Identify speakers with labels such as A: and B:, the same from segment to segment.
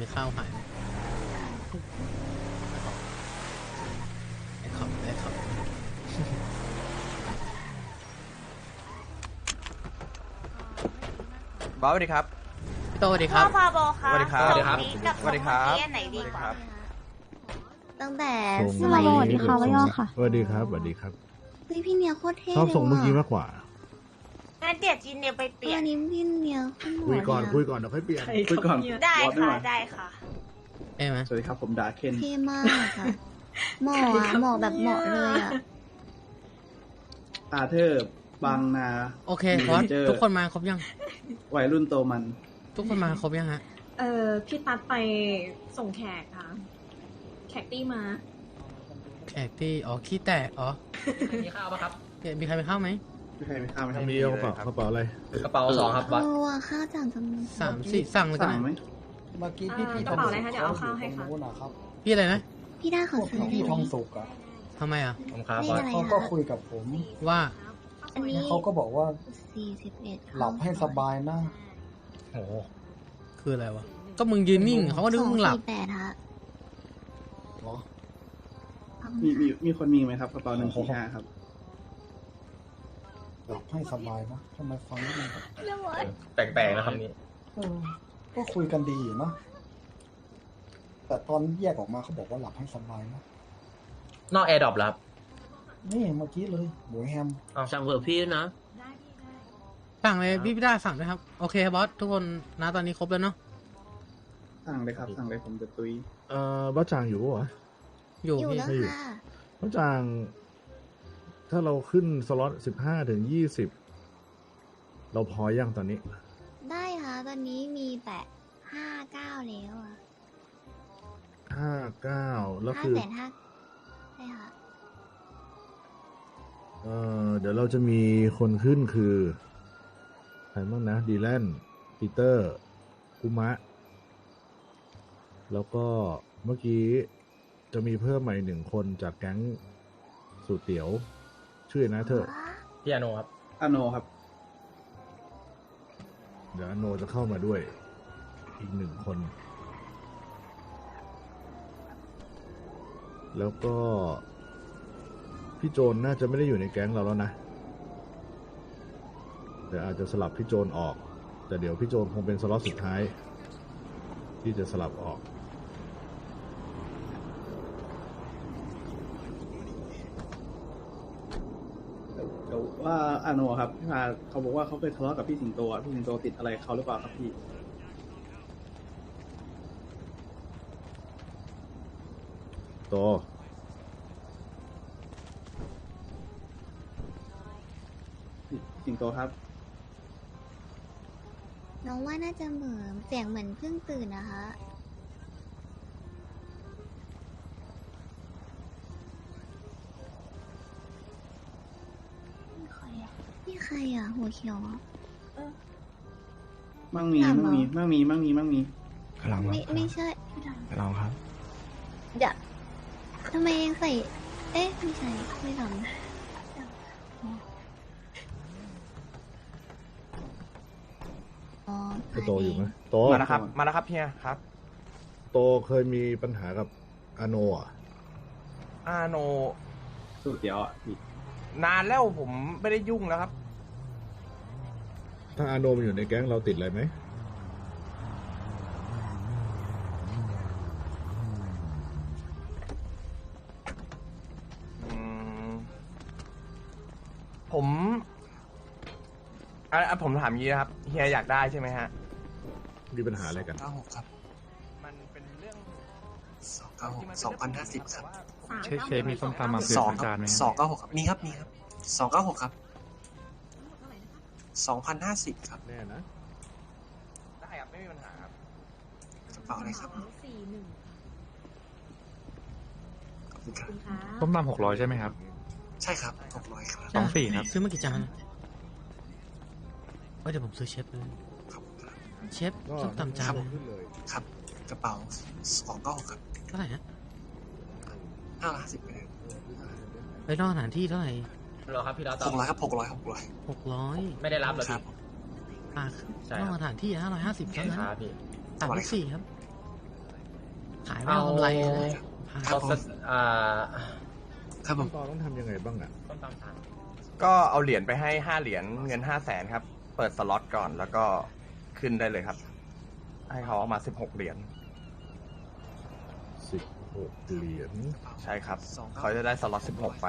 A: ข้าวหายไอ้ขอบ
B: บอสสวัสดีครับ
A: พี่โตสวัสดีครับ
C: พ่อพาโบค่ะ
B: สวัสดีครับ
C: สวัสดีกับ
B: สวัสดีครับ
C: ไหนดีกว่า
D: ตั้งแต่
E: ส่ง
D: สมัย
E: สวัสดีค่ะว่าย่อค่ะสวัสดีครับสวัสดีครับ
D: เฮ้ยพี่เนียโคตรเท่
E: ชอบส่งเมื่อกี้
D: เลย
E: มากกว่า
C: งั้นเดี๋ยวจีนเนี่ยไปเปลี่ย
D: อั
C: น
D: นนี้พี่เนียขึ้นหัว
E: คุยก่อน
D: เล
E: คุย
D: อะ
E: ก่อนเดี๋ยวค่อยเปลี่ยน
B: คุยก่อน
C: ได้
B: บอสไม่
C: ค่ะ
B: มา
C: ได้ค่ะ
A: เอ้ไหม
B: สวัสดีครับผมดาเคน
D: เท่มากค่ะเหมาะอะเหมาะแบบเหมาะเลยอะ
B: อาเธอร์บางนา
A: โอเคบอส
B: เจอ
A: ทุกคนมาครบยัง
B: วัยรุ่นโตมัน
A: ทุกคนมาครบยังฮะ
F: พี่ตัดไปส่งแขกค่ะ แขกตี้มา
A: แขกที่ขี้แตกมีข้าวปะครับมีใครไปข้าวไหม
B: ไม่ใครไม่ข้ามไม่
E: มีกระเป๋าอะไร
G: กระเป๋าสองครับบัส
D: เออว่ะข้าวจานจำนวน
A: 3 4สั่งเลยกัน
B: สั่งไหม
A: นะ
H: เมื่อกี้พี่
F: กระเป๋าอะไรคะเดี๋ยวเอาข้าวให้ค่ะ
H: นู้นนะครับ
A: พี่อะไรนะ
D: พี่ได้ข
H: พ
D: อ
H: วก
D: ซื้อ
H: พี่ทองสุกอะ
A: ทำไมอ่ะ
G: ผมครับ
D: เล
G: บ
D: ข
G: อส
D: อะไร
H: เขาก็
D: อะ
H: คุยกับผม
A: ว่า
D: อันนี้
H: แล้วเขาก็บอกว่า
D: 41
H: หลับให้สบายนะ
G: โอ้โห
A: คืออะไรวะก็มึงยืนนิ่งเขาก็นึกว่ามึงหลับ
D: 248ฮะ
H: เหรอ
B: มีคนมีไหมครับกระเป๋า145ครับ
H: หลับให้สบายนะทำไมฟังไม่ดีครับ
G: แปลกๆนะครับนี่
H: เออก็คุยกันดีอยู่นะแต่ตอนแยกออกมาเขาบอกว่าหลับให้สบายนะ
G: นอกแอร์ดรอปแล้วครับ
H: นี่เมื่อกี้เลยหมูแฮม
G: สั่งเผื่อพี่นะ
A: สั่งเลยพี่ได้สั่งด้วยครับ โอเคบอสทุกคนนะตอนนี้ครบแล้วเนาะ
B: สั่งเลยครับ สั่งเลยผมจะตุย
E: บ้าจางอยู่ปะวะ
A: อยู่
D: อยู่
A: พี่
D: แล้ว
E: ไม่อยู่
D: ค่ะ
E: บ้าจาง ถ้าเราขึ้นสล็อต15 ถึง 20เราพอยังตอนนี้
D: ได้ค่ะตอนนี้มีแต่59แล้วอะ
E: 59แล้วคือ
D: 5,500ใช่ค่ะ
E: เดี๋ยวเราจะมีคนขึ้นคือใครบ้างนะดีแลนปีเตอร์กุมะ แล้วก็เมื่อกี้จะมีเพิ่มใหม่1 คนจากแก๊งสูตรเตี๋ยว ชื่อนะเธอ
G: พี่อาโนครับ
B: อาโนครับ
E: เดี๋ยวอโนจะเข้ามาด้วยอีก1 คน แล้วก็พี่โจนน่าจะไม่ได้อยู่ในแก๊งเราแล้วนะเดี๋ยวอาจจะสลับพี่โจนออก แต่เดี๋ยวพี่โจนคงเป็นสล็อตสุดท้าย ที่จะสลับออก
B: เดี๋ยวว่าอาโนครับพี่พาเขาบอกว่าเขาเคยทะเลาะกับพี่สิงโตอะพี่สิงโตติดอะไรเขาหรือเปล่าครับพี่
E: โต
B: พี่สิงโตครับ
D: น้องว่าน่าจะเหมือนเสียงเหมือนเพิ่งตื่นนะคะนี่ใครอ่ะหัวเขียวอ่ะ
B: มั่งมี
D: ถามเหรอ
B: มั่งมี
H: กำลัง
D: ไม่ใช่
H: ลองครับ
D: เดี๋ยวทำไมยังใส่ เอ๊ะไม่ใช่ไม่ทำอ๋อ
E: โตอยู่ไหมโต
B: มาแล้วครับมาแล้วครับเฮียครับ
E: โตเคยมีปัญหากับอาโนอ่ะ
I: อาโน
B: สูตรเดียวอ่ะพี่
I: นานแล้วผมไม่ได้ยุ่งแล้วครับ
E: ถ้าอาโนมันอยู่ในแก๊งเราติดอะไรไหม
I: อืมผมผมถามงี้นะครับเฮียอยากได้ใช่ไหมฮะ
E: มีปัญหาอะไรกัน
H: 96ครับ
I: มันเป็นเรื่อง
H: 2,050ครับ
F: เชฟมีส้มตำมา
H: 2 ครับ296ครับมีครับ296ครับ2,050ครับ
E: แน่นะ
I: ได้ครับไม่มีปัญหาครับ
H: กระเป๋าอะไรครับ
F: 41
H: ขอบคุณครับ
F: คุณคะ
G: ต้มตำ600ใช่ไหมครับ
H: ใช่ครับ600ครับ
G: 24ครับ
A: ซื้อมากี่จานเดี๋ยวผมซื้อเชฟเลย
H: ขอบคุณครับ
A: เชฟส้มตำจานเลย
E: ขึ้นเลย
H: ครับกระเป๋า296ครับ
A: เท่าไหร่ฮะ
H: 550ไปเลย
A: ไปนอกสถานที่เท่าไหร่
G: รอครับพี่ดาวตอบ
H: 600ครับ600
A: 600
G: ไม่ได้รับเหรอ
H: ครั
G: พี่
H: บ
A: อ่ะ
G: ใช่
A: น
G: ค
A: อ
G: รั
A: ก
G: บ
A: สถานที่550เท่านั้น
G: ครับพี่
A: 3 4ครับขายไม่เอากำไรนะ
G: เอาสัก
B: ครับผม
E: ตอนต้องทำยังไงบ้างอ่ะ
G: ต้นตามทาง
I: ก็เอาเหรียญไปให้5 เหรียญเงิน500,000ครับ เปิดสล็อตก่อนแล้วก็ขึ้นได้เลยครับ ให้เขาเอามา16 เหรียญ
E: 16 เหรียญ
I: ใช่ครับ เขาจะได้สล็อต16 ไป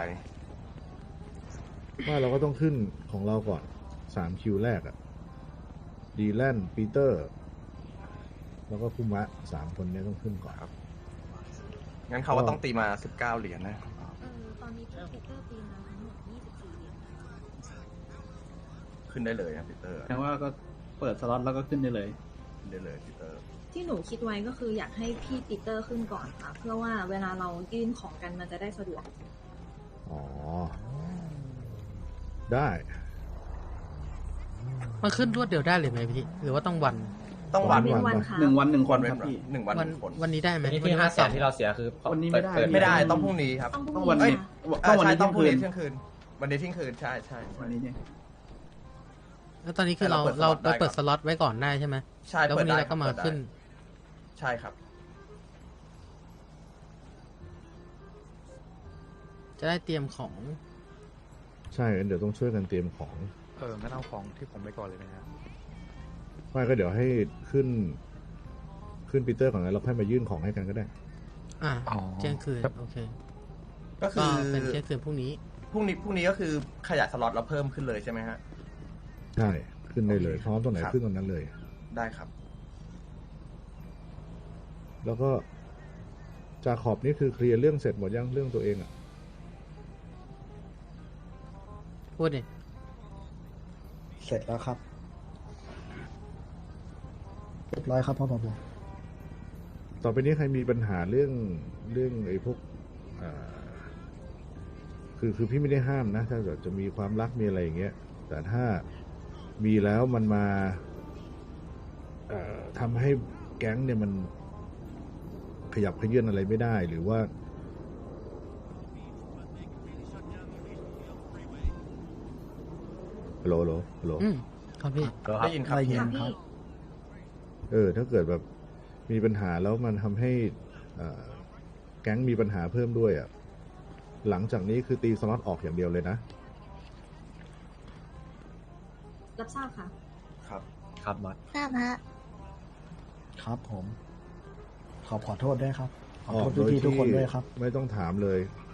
E: ว่าเราก็ต้องขึ้นของเราก่อน3 คิวแรกอ่ะดีแลนปีเตอร์ แล้วก็คุมะ3 คนเนี้ยต้องขึ้นก่อน
I: ครับ งั้นเขาก็ต้องตีมา19 เหรียญนะ
D: ตอนนี้พี่ปีเตอร์ปีมาทั้งหมด24เหรียญ
I: ขึ้นได้เลยนะปีเตอร์
B: แปลว่าก็เปิดสล็อตแล้วก็ขึ้นได้เลย
I: ขึ้นได้เลยปีเตอร์
F: ที่หนูคิดไว้ก็คืออยากให้พี่ปีเตอร์ขึ้นก่อนค่ะ เพื่อว่าเวลาเรายื่นของกันมันจะได้สะดวก
E: อ๋อ ได้
A: มันขึ้นรวดเดียวได้เลยไหมพี่หรือว่าต้องวัน
I: ต้องวัน
F: เป็นวันค่ะ
B: 1 วัน 1 คน
I: เว้
B: คน รับพี่
I: 1 วัน
A: วัน
I: 1 คน
A: วันนี้ได้ไหม
G: นี่ที่500,000ที่เราเสียคือ
B: วันนี้ไม่ได้
G: เปิ
I: ไม่ได้ต้องพรุ่งนี้ครับ
F: ต้องพ
B: ต้
F: รุ่
B: อง
F: ง
B: วัน
F: นี้
B: นี้
F: ค่ะ
B: ต้องวันนี้
I: ต้องพรุ่งนี้
B: เที่
I: เที่
B: ย
I: ย
B: ง
I: ง
B: คื
I: คื
B: น
I: น วันนี้เที่ยงคืนใช่ใช่
B: วันนี้เนี่ย
A: แล้วตอนนี้คือเรา
I: แต่
A: เรา
I: เรา
A: ไป
I: เปิ
A: เปิ
I: ด
A: ด
I: ส
A: ส
I: ล็
A: ล็
I: อ
A: อ
I: ต
A: ต
I: ได้
A: ไว้ก่อนได้ใช่ไหม
I: ใช่
A: แล้ว
I: เปิ
A: วั
I: ด
A: นนี้
I: ได้
A: เราก็มา
I: เปิดได้
A: ขึ้น
I: ใช่ครับ
A: จะได้เตรียมของ
E: ใช่งั้นเดี๋ยวต้องช่วยกันเตรียมของ
J: งั้นเอาของที่ผมไปก่อนเลยนะครับ
E: ไม่ก็เดี๋ยวให้ขึ้นปีเตอร์ก่อนแล้วเราค่อยมายื่นของให้กันก็ได้
A: อ่า
J: อ๋อ
A: เที่ยงคืนโอเค
I: ก็คื
A: ก็
I: อ
A: เป็นเที่ยงคืนพรุ่งนี้
I: พรุ่งนี้ก็คือขยายสล็อตเราเพิ่มขึ้นเลยใช่ไหมฮะ
E: ใช่ ขึ้นได้เลยพร้อมตรงไหน
I: ครับ
E: ขึ้นตรงนั้นเลย
I: ได้ครับ
E: แล้วก็จาขอบนี่คือเคลียร์เรื่องเสร็จหมดยังเรื่องตัวเองอ่ะ
A: พูดดิ
H: เสร็จแล้วครับเรียบร้อยครับพ่อผม
E: ต่อไปนี้ใครมีปัญหาเรื่องไอ้พวกคือพี่ไม่ได้ห้ามนะ ถ้าเกิดจะมีความรักมีอะไรอย่างเงี้ย แต่ถ้ามีแล้วมันมาทำให้แก๊งเนี่ยมันขยับขยื่นอะไรไม่ได้หรือว่าฮัลโหล
A: ครับพี่
I: ได้ยินครับ
H: ได้ยิน
F: ค่ะ
H: ครั
F: พี่
H: บ
E: ถ้าเกิดแบบมีปัญหาแล้วมันทำให้แก๊งมีปัญหาเพิ่มด้วยอ่ะหลังจากนี้คือตีสล็อตออกอย่างเดียวเลยนะ
F: รับทราบค่ะ
I: ครับ
G: ครับบอส
D: ทราบฮะ
H: ครับผม ขอโทษด้วยครับ ขอ
E: ออ
H: โท
E: ก
H: ษ
E: โดย
H: พี่ๆทุก
E: ที่
H: คนด้วยครับ
E: ไม่ต้องถามเลย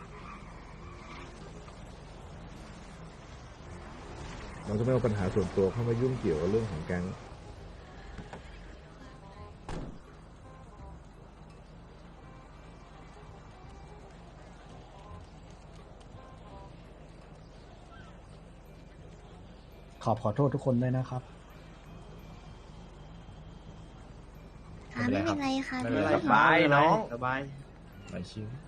E: เราจะไม่เอาปัญหาส่วนตัวเข้ามายุ่งเกี่ยวกับเรื่องของแก๊ง
H: ขอโทษทุกคนด้วยนะครับ
D: ค่ะไม่เป็นไรค่ะ
G: ไม่เป็นไร
I: สบายน้อง
B: สบาย
G: ไม่ชิว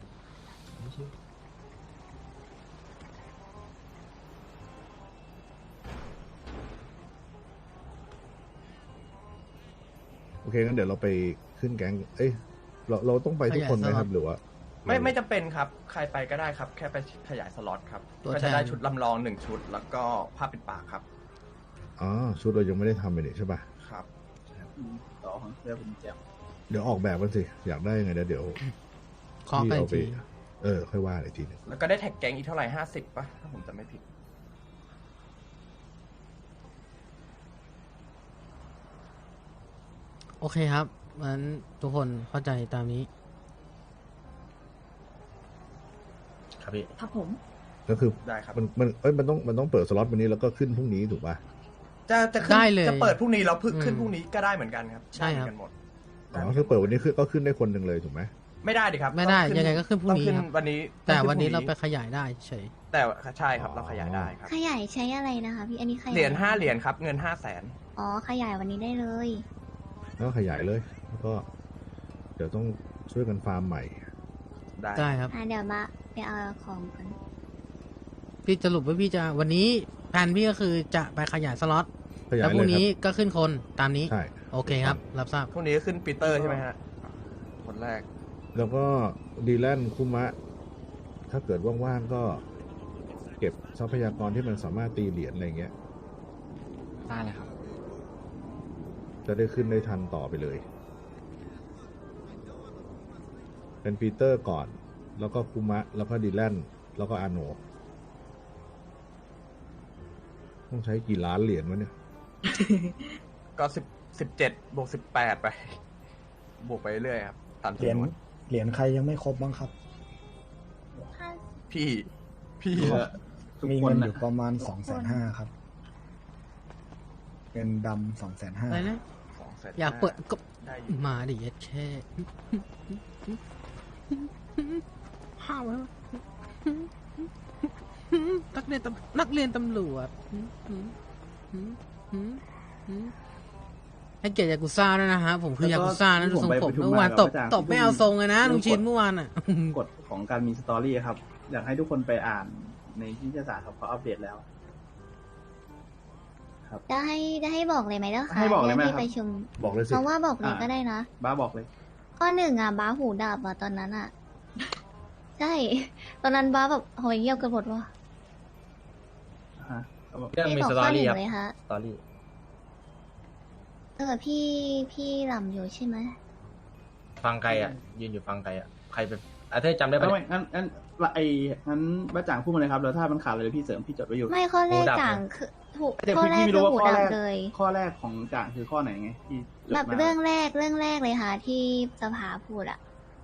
E: โอเคงั้นเดี๋ยวเราไปขึ้นแก๊ง เอ้ยเราต้องไปทุกคนไหมครับหรือว่า
I: ไม่จำเป็นครับ ใครไปก็ได้ครับ แค่ไปขยายสล็อตครับ
A: ตัว
I: ก็
A: แท
I: จะ
A: น
I: ได้ชุดลำลอง1 ชุด แล้วก็ผ้าปิดปากครับ
E: อ๋อชุดเรายังไม่ได้ทำเลยนี่ใช่ป่ะ
I: ครับ
B: ต่อของเสื้อผมแจ๋ว
E: เดี๋ยวออกแบบกันสิ อยากได้ยังไงเดี๋ยว
A: ขอไป
E: เอาไป
A: ที
E: ค่อยว่าอีกทีหนึง
I: แล้วก็ได้แท็กแก๊งอีกเท่าไหร่50ป่ะ ถ้าผมจำไม่ผิด
A: โอเคครับงั้นทุกคนเข้าใจตามนี้
G: ครับพี่
F: ครับผม
E: ก็คือ
I: ได้ครับ
E: มันต้องเปิดสล็อตวันนี้แล้วก็ขึ้นพรุ่งนี้ถูกป่ะ
I: จะขึ้น
A: ได้เลย
I: จะเปิดพรุ่งนี้เราพึ่ง
A: อืม
I: ขึ้นพรุ่งนี้ก็ได้เหมือนกันครับ
A: ใช่ครับ
I: ได้เหมือนกันหมด
E: อ๋อคือเปิดวันนี้ก็ขึ้นได้คนหนึ่งเลยถูกไหม
I: ไม่ได้ดิครับ
A: ไม่ได้
I: ต้อง
A: ยังไงก็ขึ้นพรุ่งนี้
I: ต้อง
A: ครับ
I: วันนี้
A: แต่
I: องขึ้
A: วันนี้
I: พ
A: เรา
I: ง
A: ไปขยายได้เฉย
I: แต่ใช่ครับเราขยายได้ครับ
D: ขยายใช้อะไรนะคะพี่ อันนี้ขยาย
I: เหรียญ5 เหรียญครับ เงิน500,000
D: อ๋อ ขยายวันนี้ได้เลย
E: แล้วก็ขยายเลย แล้วก็เดี๋ยวต้องช่วยกันฟาร์มใหม่
I: ได้
A: ได้ครับ
D: เดี๋ยวมาไปเอาของกัน
A: พี่สรุปว่าพี่จะวันนี้แผนพี่ก็คือจะไปขยายสล็อต
E: ขยาย
A: แล้วพ
E: เล
A: รุ่ง
E: ยค
A: นี้
E: รับ
A: ก็ขึ้นคนตามนี้
E: ใช่
A: โอเคครับ รับทราบ
I: พรุ่งนี้ก็ขึ้นปีเตอร์ใช่ไหมฮะ คนแรก
E: แล้วก็ดีแลนคุมะ ถ้าเกิดว่างๆก็เก็บทรัพยากรที่มันสามารถตีเหรียญอะไรเงี้ย
J: ได้เลยครับ
E: จะได้ขึ้นได้ทันต่อไปเลยเป็นปีเตอร์ก่อน แล้วก็คุมะ แล้วก็ดีแลนแล้วก็อาโนต้องใช้กี่ล้านเหรียญวะเนี่ย
I: ก็17 บวก 18 ไป บวกไปเรื่อยครับตาม
H: เหรียญ
I: จำนวน
H: เหรียญใครยังไม่ครบบ้างครับ
I: พี่
B: ทุก
H: มี
B: ค
H: เงิ
B: น
H: นอ
B: นะ
H: ยู่ประมาณ250,000ครับเงินดำ250,000
A: อะไรนะ
I: 200,000
A: อยากเปิดก็
I: ได้อยู่
A: มาดิเย็ดแค่ห้าวแล้วนักเรียนตำรวจให้เกียรติยากุซ่าด้วยนะฮะผมคือยากุซ่านะดูทรงผมเมื่อวานตบไม่เอาทรงเลยนะลุงชินเมื่อวานอ่ะ
B: กฎของการมีสตอรี่ครับ อยากให้ทุกคนไปอ่านในนิตยสารครับเขาอัปเดตแล้ว
D: จะให้บอกเลยไหมเจ้าคะ
B: ให้บอกเลยไหม
D: รื่อง
B: ครับ
D: ที่ประชุม
E: บอกเลยสิ
D: เพราะว่าบอกเลยก็ได้นะ
B: บ้าบอกเลย
D: ข้อหนึ่งอ่ะบ้าหูดับอ่ะตอนนั้นอ่ะ ใช่ ตอนนั้นบ้าแบบโหยเงียบกันหมดว่ะ
B: ฮะเขาบอก
G: เรื่องมี
D: บ
G: ส
D: อก
G: ตอ
D: ข้อหนึ่
G: รี่
D: ง
G: ครับ
D: เลยฮะ
G: สตอรี่
D: พี่หล่ำอยู่ใช่ไหม
G: ฟังไกลอ่ะ ยืนอยู่ฟังไกลอ่ะ ใครเป็นอาเธอจำได้ปะ
B: ไม่
G: เนี่ย
B: งั้นงั้นบ้าจ่างพูดมาเลยครับ แล้วถ้ามันขาดอะไรพี่เสริมพี่จดไว้อยู่
D: ไม่ข้อแรก
G: หูดับ
D: จ่าง
G: ไง
D: คือถูก
B: แต่
D: ข้อ
B: พี่
D: แรก
B: ไม่
D: คื
B: รู้
D: อ
B: ว่า
D: หู
B: ข้อ
D: ดั
B: แร
D: บ
B: ก
D: เลย
B: ข้อแรกของจ่างคือข้อไหนไงที่จด
D: แบบ
B: มา
D: เรื่องแรกเลยค่ะ ที่สภาพูดอ่ะ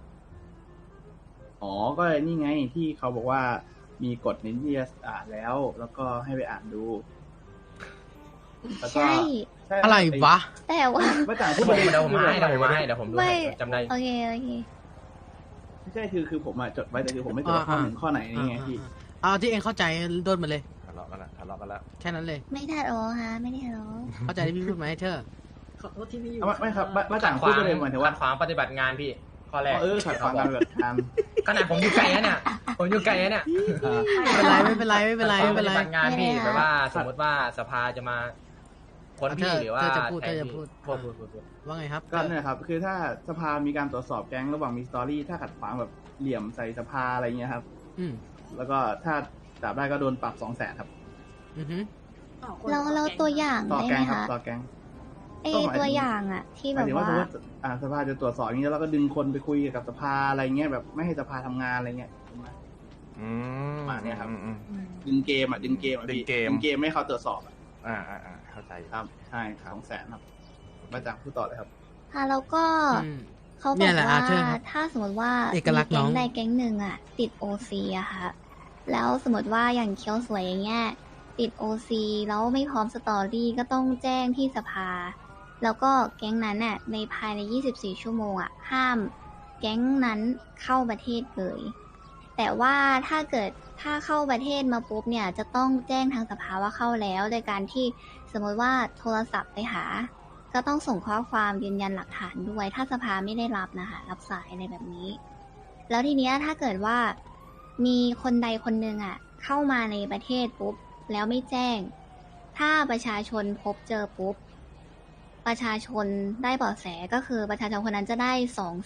B: อ๋อ ก็นี่ไงที่เขาบอกว่ามีกฎในนิตยสารแล้ว แล้วก็ให้ไปอ่านดูแล้วก็
D: ใช่
B: ใช่
A: อะไรวะ
D: แต่ว่า
B: บ้าจ่างพู
G: เดี๋
B: ด
G: ยว
B: มาเลย
G: ผมให้เดี๋ยวผมดู
D: ไม่
G: ให้จำได้
D: โอเคโอเค
B: ไม่ใช่คือผมอะจดไว้แต่คือผมไม่จดว่าข้อหนึ่งข้อไหนนี่ไงพี่
A: เอาที่เองเข้าใจโดนมาเลย
I: ทะเลาะกันแล้ว
A: แค่นั้นเลย
D: ไม่ได้หรอฮะไม่ได้หรอ
A: เข้าใจที่พี่พูดไหมเธอ
F: ขอโทษที่ไม่อยู่
B: ไม่ครับบ้าจ่างพูดไปเลยหมายถึงว่า
G: ขัดขวางปฏิบัติงานพี่ ข้อแรก
B: ขัดขวางการแบบการ
G: ขนาดผมอยู่ไกลนะเนี่ย ผมอยู่ไกลนะเนี่ย
A: ไม่เป็นไร
G: ขัดขวางปฏิ
A: ไม่
G: บัติงานพี่
D: ไม่เป็นไร
G: แบบว่าสมมติว่าสภาจะมาค้นพี่หรือว่า
A: เธอจะพูด
G: แทน
A: เธอจะพูด
G: พี่
A: ว่าไงครับ
B: ก็เนี่ยครับคือถ้าสภามีการตรวจสอบแก๊งระหว่างมีสตอรี่ถ้าขัดขวางแบบเหลี่ยมใส่สภาอะไรเงี้ยครับ
A: อืม
B: แล้วก็ถ้าจับได้ก็โดนปรับ200,000ครับ
A: อือฮึ
D: เราตัวอย่าง
B: ต่อ
D: ได้
B: แก๊
D: ไหม
B: งครับ
D: คะ
B: ต่อแก๊ง
D: ไอ
B: ก็หมายถึง
D: ตัวอย่างอ่ะ ที่
B: ห
D: แบ
B: มาย
D: บ
B: ถึงว่า
D: ว่า
B: สมมติสภาจะตรวจสอบอย่างนี้แล้วก็ดึงคนไปคุยกับสภาอะไรเงี้ยแบบไม่ให้สภาทำงานอะไรเงี้ย
I: อืม
B: มาเนี่ยครับ
I: อืม
B: ดึงเกมอ่ะดึงเกมอ่ะพี่
I: ดึงเกม
B: ดึงเกมไม่ให้เขาตรวจสอบอะ
I: เข้าใจอยู่
B: ครับใช่200,000ครับมาจากพูดต่อเลยครับ
D: ค่ะแล้วก็
A: อืม
D: เขาบ
A: เนี่
D: อย ก
A: แหละ
D: ว่า
A: เชิญครับ
D: ถ้าสมมติว่า
A: เอกลักษณ์
D: มีแก๊
A: น้
D: ง
A: อง
D: ใดแก๊งหนึ่งอ่ะ ติดโอซีอะค่ะ แล้วสมมติว่าอย่างเคียวสวยอย่างเงี้ยติดโอซีแล้วไม่พร้อมสตอรี่ก็ต้องแจ้งที่สภา แล้วก็แก๊งนั้นน่ะในภายใน24 ชั่วโมงอ่ะห้ามแก๊งนั้นเข้าประเทศเลย แต่ว่าถ้าเกิดถ้าเข้าประเทศมาปุ๊บเนี่ยจะต้องแจ้งทางสภาว่าเข้าแล้ว โดยการที่สมมติว่าโทรศัพท์ไปหา ก็ต้องส่งข้อความยืนยันหลักฐานด้วย ถ้าสภาไม่ได้รับนะคะรับสายอะไรแบบนี้ แล้วทีเนี้ยถ้าเกิดว่ามีคนใดคนหนึ่งอ่ะเข้ามาในประเทศปุ๊บแล้วไม่แจ้ง ถ้าประชาชนพบเจอปุ๊บประชาชนได้เบาะแสก็คือประชาชนคนนั้นจะได้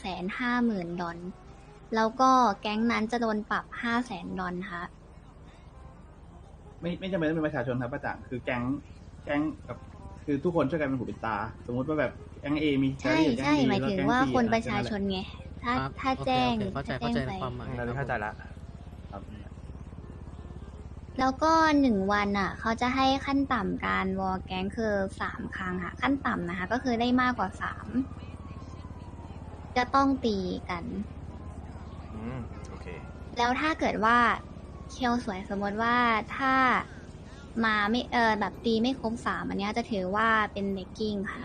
D: $250,000 แล้วก็แก๊งนั้นจะโดนปรับ$500,000ค่ะ
B: ไม่จำเป็นต้องเป็นประชาชนครับป้าจ่างคือแก๊งกับคือทุกคนช่วยกันเป็นหูเป็นตา สมมุติว่าแบบแก๊ง A มี
D: ใช่
B: แก๊ง
D: ใช่
B: B
D: หมายถึงว่าคนประชาชนไง ถ้า
A: ครับ
D: ถ้าแจ้ง
A: โอเคเข้าใจ
D: ถ้าแจ้งไป
A: ความหมาย
I: เราเข้าใจละ
B: ครับ
D: แล้วก็1 วันอ่ะ เขาจะให้ขั้นต่ำการวอลแก๊งคือ3 ครั้งค่ะ ขั้นต่ำนะคะ ก็คือได้มากกว่า3จะต้องตีกัน
I: โอเค
D: แล้วถ้าเกิดว่าเคียวสวยสมมติว่าถ้ามาไม่แบบตีไม่ครบ3อันเนี้ยจะถือว่าเป็นเบกกิ้งค่ะ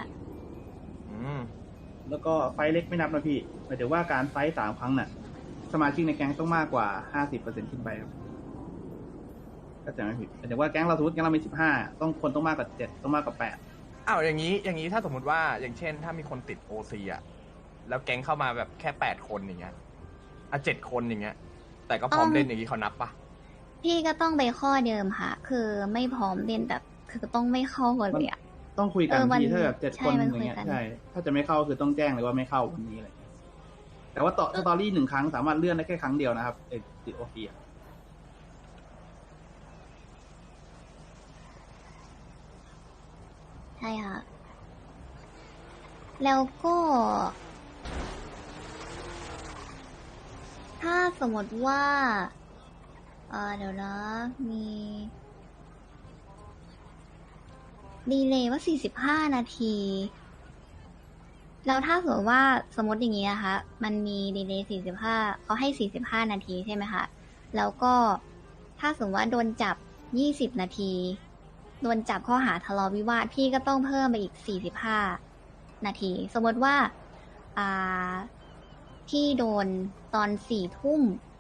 B: แล้วก็ไฟท์เล็กไม่นับนะพี่หมายถึงว่าการไฟท์3 ครั้งน่ะ สมาชิกในแก๊งต้องมากกว่า50%ขึ้นไปครับก็จะไม่ผิดหมายถึงว่าแก๊งเราสมมติแก๊งเรามี15ต้องมากกว่า7ต้องมากกว่า8
I: อ้าวอย่างนี้ถ้าสมมติว่าอย่างเช่น ถ้ามีคนติดโอซีอ่ะแล้วแก๊งเข้ามาแบบแค่8 คนอย่างเงี้ย7 คนอย่างเงี้ย แต่ก็พร้อมเล่นอย่างนี้เขานับปะ
D: พี่ก็ต้องไปข้อเดิมค่ะ คือไม่พร้อมเล่นแบบคือต้องไม่เข้าเลยอ่ะ
B: ต้องคุยกัน
D: มัน
B: พี่ถ้าแบบ7 คน
D: ใช่มัน
B: อย่างเงี้ย
D: คุยกัน
B: ใช่ถ้าจะไม่เข้าคือต้องแจ้งเลยว่าไม่เข้าวันนี้อะไรเงี้ยแต่ว่าต่อสตอรี่1 ครั้งสามารถเลื่อนได้แค่ครั้งเดียวนะครับติดโอซี
D: ใช่ค่ะ แล้วก็ถ้าสมมติว่าเดี๋ยวนะมีดีเลย์ว่า 45 นาที แล้วถ้าสมมติว่าสมมติอย่างนี้นะคะ มันมีดีเลย์ 45เขาให้ 45 นาทีใช่ไหมคะ แล้วก็ถ้าสมมติว่าโดนจับ 20 นาที โดนจับข้อหาทะเลาะวิวาทพี่ก็ต้องเพิ่มไปอีก 45 นาที สมมติว่าพี่โดนตอน 4 ทุ่ม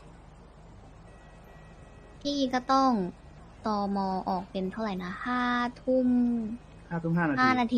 D: พี่ก็ต้องตมออกเป็นเท่าไหร่นะ 5 ทุ่ม
B: 5 ทุ่ม 5 นาที
D: 5 นาที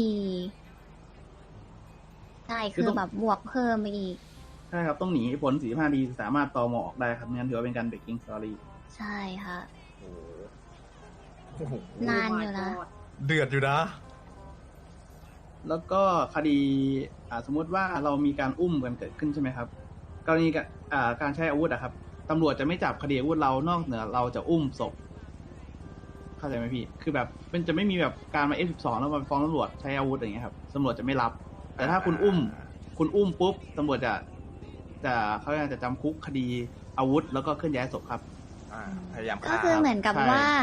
D: ใช่ คือแบบบวกเพิ่มไปอีก
B: ใช่ครับ ต้องหนีผล 45 นาทีสามารถตมออกได้ครับงั้นถือว่าเป็นการ breaking story
D: ใช่ค่ะ
I: โอ้โห
D: นานอยู่นะ
I: เดือดอยู่นะ
B: แล้วก็คดีสมมุติว่าเรามีการอุ้มกันเกิดขึ้นใช่ไหมครับกรณีการใช้อาวุธอะครับตำรวจจะไม่จับคดีอาวุธเรานอกเหนือเราจะอุ้มศพเข้าใจไหมพี่คือแบบมันจะไม่มีแบบการมา F12 แล้วมาฟ้องตำรวจใช้อาวุธอย่างเงี้ยครับตำรวจจะไม่รับ แต่ถ้าคุณอุ้มปุ๊บตำรวจเขาจะจำคุกคดีอาวุธแล้วก็เคลื่อนย้ายศพครับ
I: พยายาม
D: ก็คือเหมือนกับ
B: ใช่
D: ว่า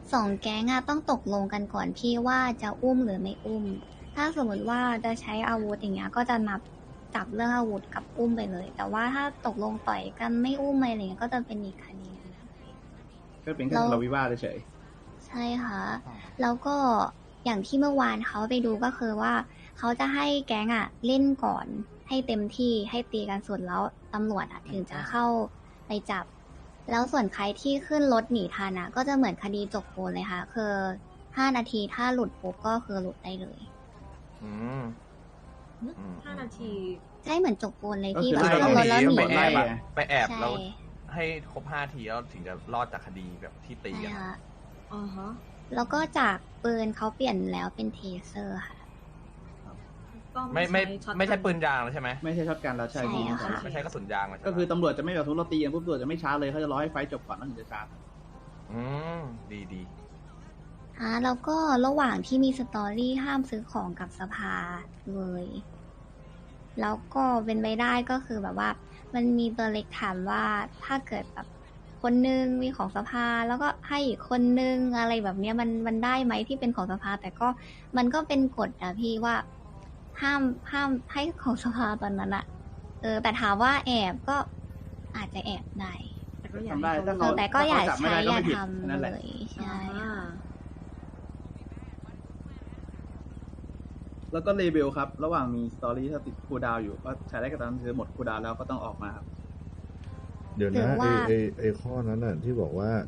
D: 2 แก๊งอะต้องตกลงกันก่อนพี่ว่าจะอุ้มหรือไม่อุ้ม ถ้าสมมติว่าจะใช้อาวุธอย่างเงี้ยก็จะนับจับเรื่องอาวุธกับอุ้มไปเลย แต่ว่าถ้าตกลงต่อยกันไม่อุ้มอะไรเงี้ยก็จะเป็นอีกคดีนึงนะ
B: ก็เป็นแค่ทะเลาะวิวาทเฉย
D: ใช่ค่ะ แล้วก็อย่างที่เมื่อวานเขาไปดูก็คือว่าเขาจะให้แก๊งอะเล่นก่อนให้เต็มที่ให้ตีกันสุดแล้วตำรวจอะถึงจะเข้าไปจับ แล้วส่วนใครที่ขึ้นรถหนีทันอะก็จะเหมือนคดีจบโกนเลยค่ะ คือ5 นาทีถ้าหลุดปุ๊บก็คือหลุดได้เลย
I: อืม
F: 5 นาที
D: ใช่เหมือนจบโกนเลย
B: ก็
D: ที่
B: คือ
D: แบบ
B: ไล่
D: ขึ้นรถแล้วหนี
I: ไปแอบ
B: ไล่
I: ไปแอบ
D: ใช่
I: แล้วให้ครบ5 ทีแล้วถึงจะรอดจากคดีแบบที่ตี
D: ใช่
I: กัน
D: ค่ะ
F: อ๋อฮะ
D: แล้วก็จากปืนเขาเปลี่ยนแล้วเป็นเทเซอร์ค่ะ
F: ก็
I: ไม่
F: ช็อต
I: ไม่ใช่ปืนยางแล้วใช่ไหม
B: ๆไม่ใช่ช็อตกันแล้วใช่
D: ใช่
B: พี่
D: ค่ะ
I: ไม่ใช่กระสุนยางแล้วใช่ไหม
B: ก็คือตำรวจจะไม่แบบทุบเราตีกันปุ๊บตำรวจจะไม่ช้าเลยเขาจะรอให้ไฟท์จบก่อนแล้วถึงจะชาร์จ
I: อืมดีดี
D: แล้วก็ระหว่างที่มีสตอรี่ห้ามซื้อของกับสภาเลย แล้วก็เป็นไปได้ก็คือแบบว่า มันมีตัวเล็กถามว่าถ้าเกิดแบบคนนึงมีของสภา แล้วก็ให้อีกคนนึงอะไรแบบเนี้ยมันได้ไหมที่เป็นของสภา แต่ก็มันก็เป็นกฎอะพี่ว่าห้ามให้ของสภาตอนนั้นอะแต่ถามว่าแอบก็อาจจะแอบได้
F: แต่ก็อยาก
B: ทำได้
F: ให้
B: ถ้า
F: เขา
B: เขา
D: แต่ก็อย่า
B: จับไม่
D: ใช้
B: ได้ก็
D: อย่า
B: ไม่ผิด
D: ทำ
B: นั่นแหละ
D: เลยใช่
F: อ่า
D: ค่ะ
B: แล้วก็เลเบลครับ ระหว่างมีสตอรี่ถ้าติดคูลดาวน์อยู่ก็ใช้ได้กับตอนคือหมดคูลดาวน์แล้วก็ต้องออกมาครับ
E: เดี๋ยว
D: หรื
E: นะ
D: อว่า
E: ไอข้อนั้นน่ะที่บอกว่า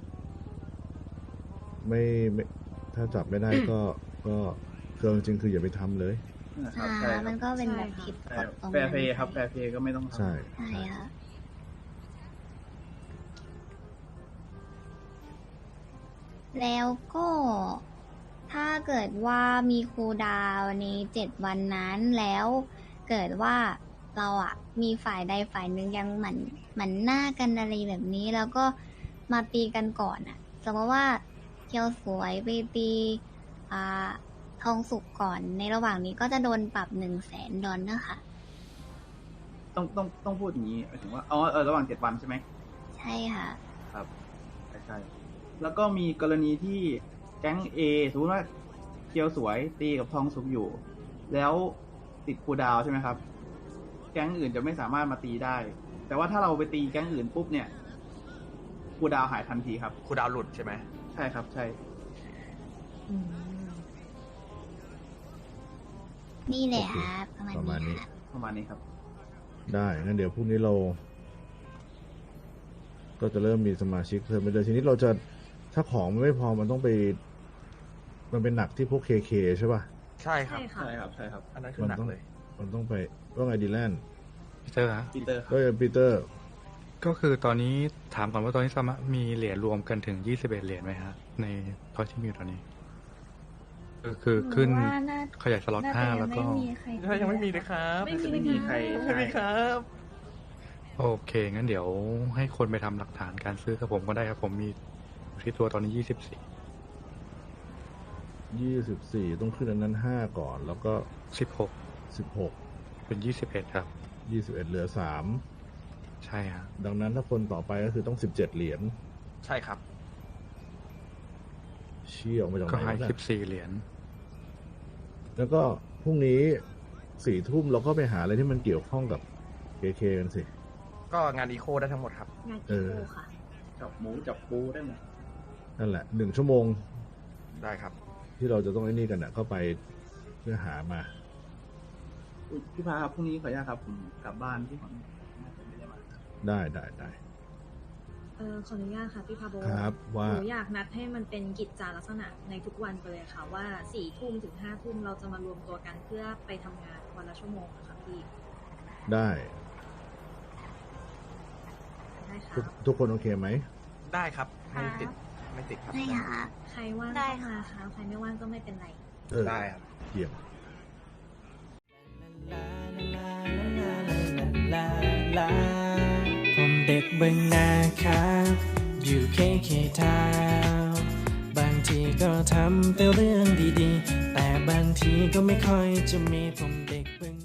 E: ไม่ถ้าจับไม่ได้ก็คือจริงๆคืออย่าไปทำเลย
B: นะครับใช่ค
D: มั
B: รั
D: น
B: บ
D: ก็เป็นแบบผิดกฎตรง
B: แฟ
D: นั้น
B: ร์เพย์ครับแฟร์เพย์ก็ไม่ต้องทำ
E: ใช่
D: ใช่ค่ะ แล้วก็ถ้าเกิดว่ามีครูลดาวน์ใน7 วันนั้นแล้วเกิดว่าเราอะมีฝ่ายใดฝ่ายหนึ่งยังหมันหน้ากันอะไรแบบนี้ แล้วก็มาตีกันก่อนอะสมมติว่าเคียวสวยไปตีทองสุกก่อนในระหว่างนี้ก็จะโดนปรับ$100,000นะคะ
B: ต้องพูดอย่างนี้หมายถึงว่าระหว่าง7 วันใช่ไหม
D: ใช่ค่ะ
B: ครับใช่แล้วก็มีกรณีที่แก๊ง A สมมติว่าเกียวสวยตีกับทองสุกอยู่ แล้วติดคูลดาวน์ใช่ไหมครับ แก๊งอื่นจะไม่สามารถมาตีได้ แต่ว่าถ้าเราไปตีแก๊งอื่นปุ๊บเนี่ยคูลดาวน์หายทันทีครับ
I: ครูดาวหลุดใช่ไหม
B: ใช่ครับใช่
F: อืม
D: นี่แหละครับ ประมาณ
E: ประมาณ
D: นี้
E: นี้
D: ค่ะ
B: ประมาณนี้ครับ
E: ได้งั้นเดี๋ยวพรุ่งนี้เรา ก็จะเริ่มมีสมาชิกเพิ่มไปเลยทีนี้เราจะถ้าของมันไม่พอมันต้องไป มันเป็นหนักที่พวกเคใช่ป่ะ
I: ใช่ครับ
F: ใช่ค่ะ
B: ใช่ครับใช่ครับ
I: อันนั้นคือหนักเลย
E: มันต้องไปว่าไงดีแลนด์
J: พี่เตอร์ฮะ
B: ปีเตอร์ครับ
E: ก็ปีเตอร์
J: ก็คือตอนนี้ถามก่อนว่าตอนนี้สามารถมีเหรียญรวมกันถึง21 เหรียญไหมฮะ ในทอที่มีอยู่ตอนนี้ คือขึ้น
D: หนูว่าน่า
J: ขยายสล็อต
D: น่าจะ
J: 5 แล้วก็
D: ไม่มีใคร
I: ยังไม่มีเลยครับ
B: ไม่มีใคร
I: ไม่มีครับ
J: โอเค งั้นเดี๋ยวให้คนไปทำหลักฐานการซื้อกับผมก็ได้ครับ ผมมีที่ตัวตอนนี้24
E: 24ต้องขึ้นอันนั้น5ก่อน แล้วก็
J: 16
E: 16
J: เป็น21ครับ
E: 21เหลือ3
J: ใช่ฮะ
E: ดังนั้นถ้าคนต่อไปก็คือต้อง17 เหรียญ
I: ใช่ครับ
E: ชี้ออกมาจาก
J: ก็
E: ไหน
J: ให้
E: วะเนี่ย
J: 14 เหรียญ
E: แล้วก็พรุ่งนี้4 ทุ่มเราก็ไปหาอะไรที่มันเกี่ยวข้องกับ KK กันสิ
I: ก็งานอีโคได้ทั้งหมดครับ
F: งาน
E: เอ
F: อี
E: อ
F: โคค่ะ
B: จับหมูจับปูได้หมด
E: นั่นแหละ1 ชั่วโมง
I: ได้ครับ
E: ที่เราจะต้องไอ้นี่กันก็ไปเพื่อหามา
B: อุ๊ยพี่พาครับพรุ่งนี้ขออนุญาตครับผมกลับบ้านที่ขอนน่าจะไม่ได้มา
E: ได้
F: ขออนุญาตค่ะพี่พาโบ
E: ครับว่า
F: หนูอยากนัดให้มันเป็นกิจจาลักษณะในทุกวันไปเลยค่ะว่า4 ทุ่มถึง5 ทุ่มเราจะมารวมตัวกันเพื่อไปทำงานวันละชั่วโมงนะคะพี่
E: ได้
F: ได้ค่ะ
E: ทุกคนโอเคไหม
I: ได้ครับ ไม่ติดไม่ติดครับ
D: ได้ค่ะ
F: ใครว่าง
C: ได้
F: ก็มา
C: ค่ะ
F: ค่ะใครไม่ว่างก็ไม่เป็นไร
I: ได้ครับ
E: เยี่ยม
K: ผมเด็กเบึงนาครับอยู่เคทาวน์บางทีก็ทำแต่เรื่องดีๆ แต่บางทีก็ไม่ค่อยจะมีผมเด็กเบึง